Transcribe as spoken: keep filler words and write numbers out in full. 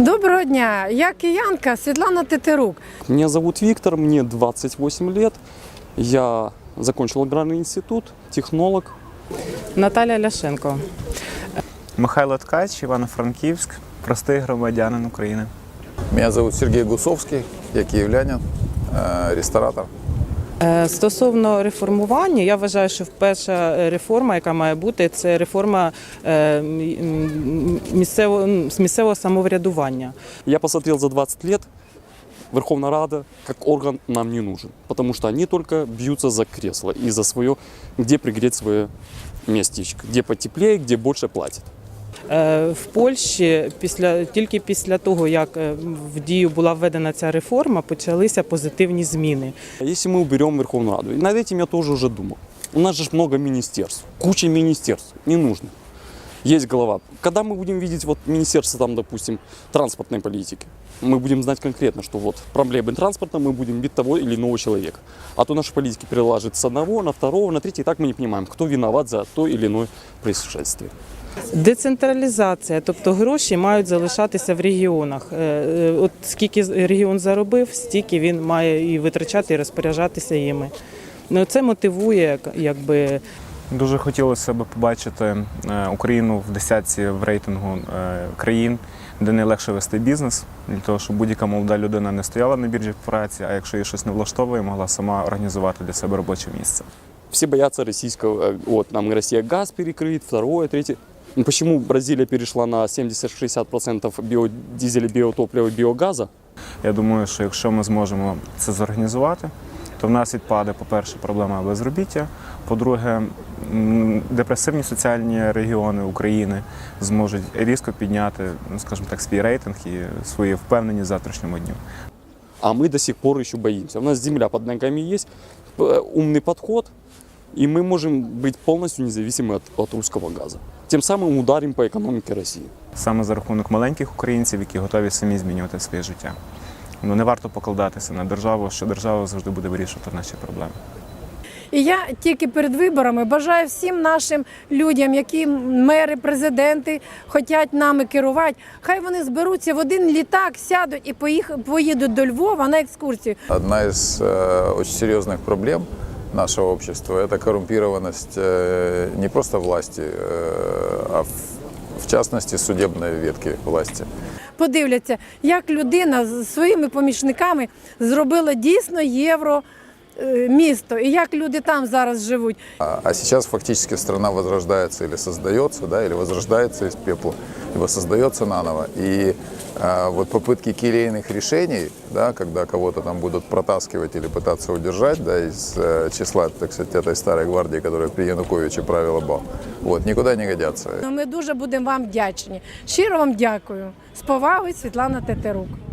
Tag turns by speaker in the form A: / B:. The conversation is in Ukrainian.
A: Доброго дня, я киянка Світлана Тетерук.
B: Меня зовут Виктор, мне двадцать восемь лет. Я закончил аграрный институт, технолог.
C: Наталя Ляшенко.
D: Михайло Ткач, Івано-Франківськ, простий громадянин України.
E: Меня зовут Сергей Гусовский, я киевлянин, э, ресторатор.
C: Е, Стосовно реформування, я вважаю, що перша реформа, яка має бути, це реформа е, м, місцевого, м, місцевого самоврядування.
B: Я посмотрел за двадцать лет, Верховная Рада как орган нам не нужен, потому что они только бьются за кресло и за свое, где пригреть свое местечко, где потеплее, где больше платят.
C: Е, В Польщі після тільки після того, як е, в дію була введена ця реформа, почалися позитивні зміни.
B: Если мы уберем Верховную Раду, и над этим я тоже уже думал. У нас же ж много министерств, куча министерств, не нужно. Есть голова. Когда мы будем видеть вот министерство, там, допустим, транспортной политики, мы будем знать конкретно, что вот проблемы транспорта, мы будем бить того или иного человека. А то наши политики переложат с одного на второго, на третий, и так мы не понимаем, кто виноват за то или иное происшествие.
C: Децентралізація, тобто гроші мають залишатися в регіонах. Е, е, От скільки регіон заробив, стільки він має і витрачати, і розпоряджатися їми. Ну, це мотивує, якби.
D: Дуже хотілося б побачити е, Україну в десятці в рейтингу е, країн, де найлегше вести бізнес, для того, щоб будь-яка молода людина не стояла на біржі праці, а якщо її щось не влаштовує, могла сама організувати для себе робоче місце.
B: Все боятся российского, э, вот, нам Россия газ перекрыть, второе, третье. Ну, почему Бразилия перешла на семьдесят-шестьдесят процентов биодизеля, биотоплива, биогаза?
D: Я думаю, що якщо ми зможемо це зорганізувати, то в нас відпаде, по-перше, проблема безробіття, по-друге, м, депресивні соціальні регіони України зможуть різко підняти, ну, скажімо так, свій рейтинг і свої впевненість в завтрашньому дню.
B: А мы до сих пор еще боимся. У нас земля под ногами есть, п- умный подход, и мы можем быть полностью независимы от, от русского газа. Тем самым ударим по экономике России.
D: Саме за рахунок маленьких українців, які готові самі змінювати своє життя. Ну, не варто покладатися на державу, що держава завжди буде вирішувати наші проблеми.
A: І я тільки перед виборами бажаю всім нашим людям, які мери, президенти хочуть нами керувати, хай вони зберуться в один літак, сядуть і поїх- поїдуть до Львова на екскурсію.
E: Одна из э, очень серьезных проблем нашего общества – это коррумпированность э, не просто власти, э, а в, в частности судебной ветки власти.
A: Подивляться, як людина з своїми помічниками зробила дійсно євро е, місто, і як люди там зараз живуть.
E: А, а сейчас фактически страна возрождается или создается, да, или возрождается из пепла, либо создается наново. И а, вот попытки келейных решений, да, когда кого-то там будут протаскивать или пытаться удержать, да, из э, числа, так сказать, этой старой гвардии, которая при Януковиче правила бал, вот, никуда не годятся.
A: Ми дуже будемо вам вдячні. Щиро вам дякую. З повагою, Світлана Тетерук.